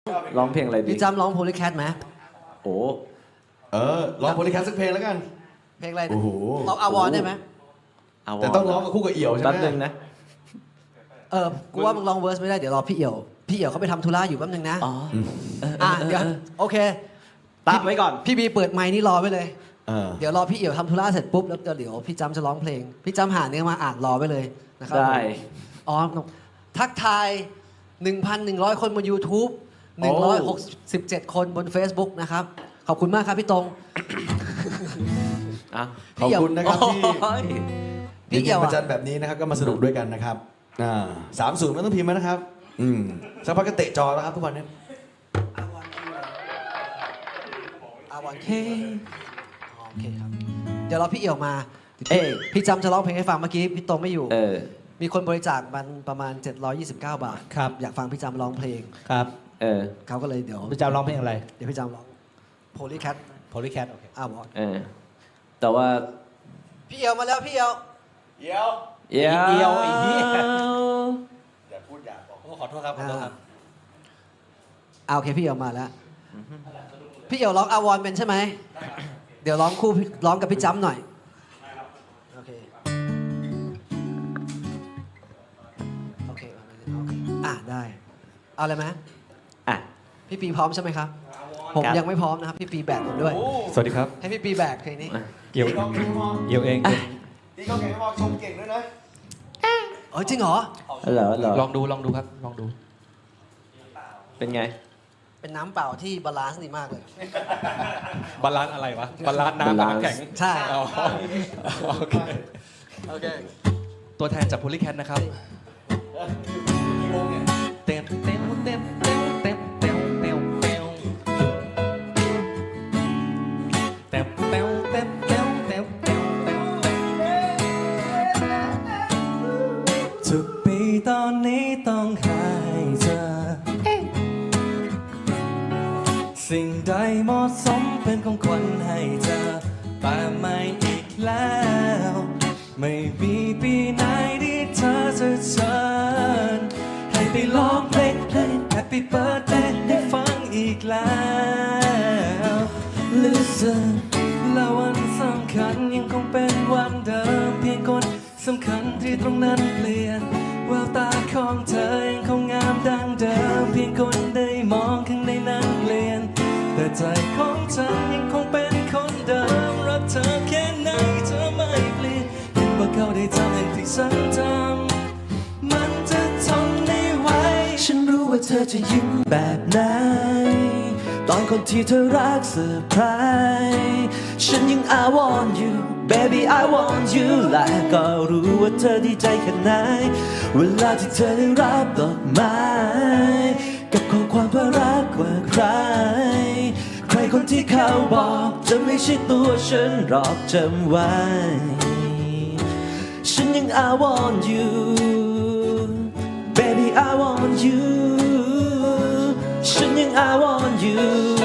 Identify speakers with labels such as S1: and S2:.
S1: ร้องเพลงอะไรดี
S2: พี่จำร้องโพลีแคทไหม
S1: โอ้
S3: ร้องโพลีแคทสักเพลงแล้วกัน
S2: เพลงอะไร
S3: โอ้โห
S2: ร้องอาวอนได้ไหม
S3: แต่ต้องร้องกับคู่กับเอี่ยวใช่ไหม
S1: แป๊บนึงนะ
S2: กูว่ามึงร้องเวอร์สไม่ได้เดี๋ยวรอพี่เอี่ยวเขาไปทำธุระอยู่แป๊บนึงนะ
S1: อ๋อ
S2: เดี๋ยวโอเค
S1: ตัดไว้ก่อน
S2: พี่บีเปิดไมค์นี่รอไว้เลย
S3: เออ
S2: เดี๋ยวรอพี่เอี่ยวทำธุระเสร็จปุ๊บแล้วเดี๋ยวพี่จำจะร้องเพลง พี่จำหาเนื้อมาอ่านรอไว้เลยนะครับ
S1: ได้
S2: อ๋อทักทาย 1,100 คนบน YouTube 167 คนบน Facebook นะครับขอบคุณมากครับพี่ตรง
S1: อ่ะ
S3: ขอบคุณนะครับที่
S1: โอ้ย
S2: พี่
S3: เย็
S2: เอี่ย
S3: น
S2: ว
S3: ๆประจันแบบนี้นะครับก็มาสนุกด้วยกันนะครับ30ไม่ต้องพิมพ์นะครับสักพักก็เตะจอแล้วครับทุกวันนี้
S2: อาวอนเคโอเคครับเดี๋ยวรอพี่เอี่ยวมา
S1: เอ้ย
S2: พี่จำจะร้องเพลงให้ฟังเมื่อกี้พี่ตรงไม่อยู่ มีคนบริจาคมันประมาณ 729 บาท
S4: ครับ
S2: อยากฟังพี่จำร้องเพลง
S4: ครับ
S2: เขาก็เลยเดี๋ยว
S4: พี่จำร้องเพลงอะไร
S2: เดี๋ยวพี่จำร้องโพลีแคท
S4: Polycat โอเค
S2: อาวอน
S1: แต่ว่า
S2: พี่เอี่ยวมาแล้วพี่เอี่ยว
S1: เอียว
S4: เอียวไอ้เหี้ย
S3: อย่าพูดอย่าบอก
S4: โอ้ขอโทษครับขอโทษครับ
S2: โอเคพี่เอี่ยวมาแล้วพี่เอี่ยวร้องอาวอนเป็นใช่ไหมเดี๋ยวร้องคู่ร้องกับพี่จำหน่อยโอเคโอเคได้เอาเลยไหม
S1: อ่ะ
S2: พี่ปีพร้อมใช่ไหมครับผม
S1: ครับ
S2: ยังไม่พร้อมนะครับพี่ปีแบกผมด้วย
S4: สวัสดีครับ
S2: ให้พี่ปีแบกเพลงนี้
S4: เอียวเอียวเอง
S3: ตีเขาเก่งมากชมเก่งด้วยนะ
S2: จริงเหรอ
S1: เหรอ
S4: ลองดูครับลองดู
S1: เป็นไง
S2: เป็นน้ำเปล่าที่บาลานซ์ดีมากเลย
S4: บาลานซ์อะไรวะ บาลานซ์น้ำกับน้ำแข็ง
S2: ใช่
S4: อ๋อโอเค
S2: โอเค
S4: ตัวแทนจาก Polycat นะครับเต็มเต็มเต็มเต็มเต็มเต็มเต็มเต็มเต็มเต็มเต็มเต็มเต็มเต็มเต็มทุกปีตอนนี้ต้องหายเจอสิ่งใดเหมาะสมเป็นของขวัญให้เธอแต่ไม่อีกแล้ว ไม่มีปีไหนที่เธอจะเชิญให้ไปร้องเพลง Happy Birthday ให้ฟังอีกแล้ว Listen และวันสำคัญยังคงเป็นวันเดิมเพียงคนสำคัญที่ตรงนั้นเปลี่ยนแววตาของเธอยังคงงามดังเดิมเพียงคนได้มองข้างในนั้นเปลี่ยนแต่ใจของฉันยังคงเป็นคนเดิมรักเธอแค่ไหนเธอไม่เปลี่ยนเห็นว่าเขาได้ทำอย่างที่ฉันทำมันจะทนไม่ไหวฉันรู้ว่าเธอจะยิ้มแบบไหนตอนคนที่เธอรักเซอร์ไพรส์ฉันยัง I want you baby I want you และก็รู้ว่าเธอดีใจแค่ไหนเวลาที่เธอได้รับดอกไม้กับข้อความว่ารักกว่าใครใครคนที่เขาบอกจะไม่ใช่ตัวฉันหรอกจำไว้ฉันยัง I want you baby I want you ฉันยัง I want you